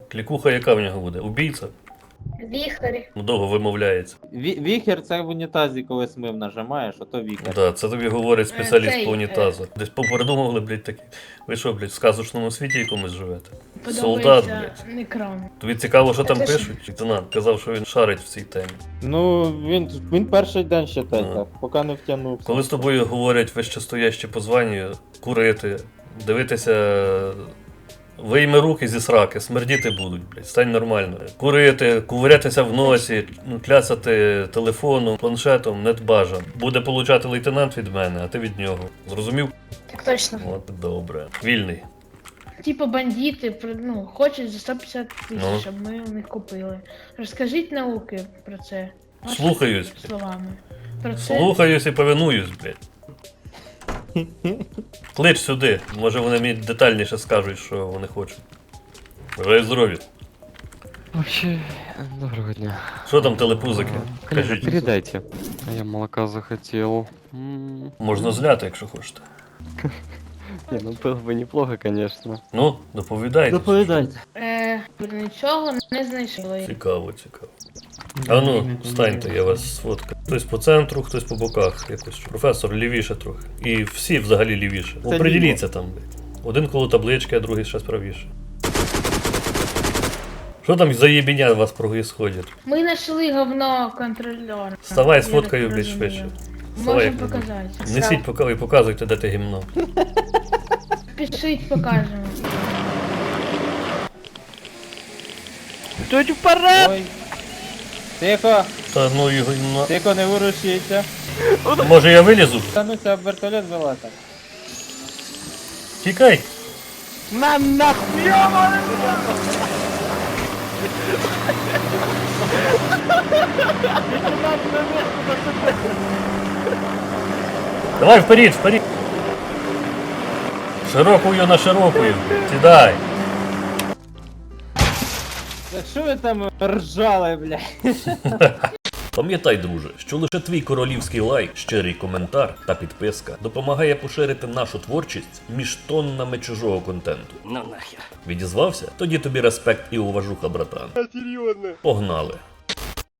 Клікуха яка в нього буде? Убійця? Віхарі. Довго вимовляється. Віхер це в унітазі, коли смив нажимаєш, а то віхер. Да, це тобі говорить спеціаліст Цей, по унітазу. Десь попередумували, блядь, такі. Ви що, блядь, в сказочному світі якомусь живете? Солдат, блядь. Некрам. Тобі цікаво, що там Це ж- пишуть? Лейтенант казав, що він шарить в цій темі. Ну, він перший день ще Ну. так, поки не втягнувся. Коли з тобою говорять вищестоящі по званню, курити, дивитися, вийми руки зі сраки, смердіти будуть, блядь, стань нормально. Курити, кувирятися в носі, клясати телефоном, планшетом, не бажано. Буде получати лейтенант від мене, а ти від нього. Зрозумів? Так точно. От добре. Вільний. Типа бандити, хочуть за 150 тисяч, Ну. щоб ми у них купили. Розкажіть науки про це. Вашими Слухаюсь. словами. Про це. Слухаюсь і повинуюсь, блядь. Клич сюди, може вони мені детальніше скажуть, що вони хочуть. Бажаю здоров'я. Вообще, доброго дня. Що там телепузики? Коллега, Кажіть. передайте. А я молока захотел. Можна зляти, якщо хочете. Не, ну было бы неплохо, конечно. Ну, доповідайте. Доповідайте. Нічого не знайшли. Цікаво, цікаво. А ну, встаньте, я вас сфоткаю. Хтось по центру, хтось по боках якось. Професор, лівіше трохи. І всі взагалі лівіше. Це Оприділіться там, блядь. Один коло таблички, а другий ще правіше. Що там за єбіня у вас происходит? Ми знайшли говно контрольора. Вставай, Я сфоткаю, так блядь, розумію. швидше. Вставай, Можемо як-небудь. показати. Несіть, поки показуйте, де ти гімно. Пишіть, покажемо. Тут вперед! Ой. Тихо, Та ну його гімно. тихо, не ворушіться. Може я вилізу? Та ну це вертольот вилата. Тікай! На нахуй! Давай вперед, вперед! Широкую на широкую. Сідай! Так що ви там ржали, блядь? Пам'ятай, друже, що лише твій королівський лайк, щирий коментар та підписка допомагає поширити нашу творчість між тоннами чужого контенту. Ну нахер. Відізвався? Тоді тобі респект і уважуха, братан. Серйозно? Погнали!